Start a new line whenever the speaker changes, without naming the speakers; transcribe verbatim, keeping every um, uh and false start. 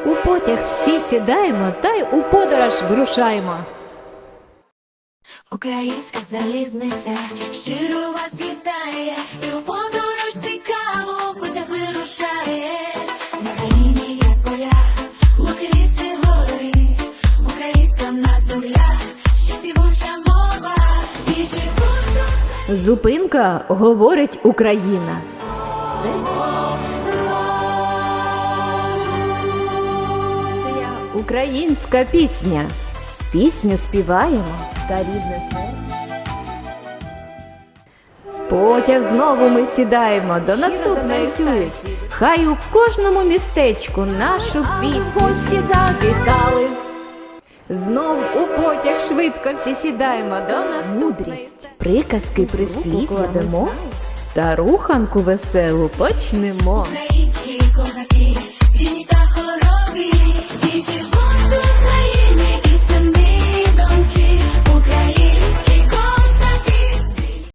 У потяг всі сідаємо, та й у подорож вирушаємо.
Українська залізниця щиро вас вітає, і у подорож цікаво потяг вирушає. В Україні є поля, луки, ліси, гори, українська в нас земля, ще співуча мова, і живуть.
Зупинка говорить Україна. Все. Українська пісня. Пісню співаємо та рідне серце. В потяг знову ми сідаємо до наступної сюди. Хай у кожному містечку нашу пісню гості завітали. Знов у потяг швидко всі сідаємо до наступної. Мудрість, приказки, прислів кладемо та руханку веселу почнемо.
Українські козаки, вільні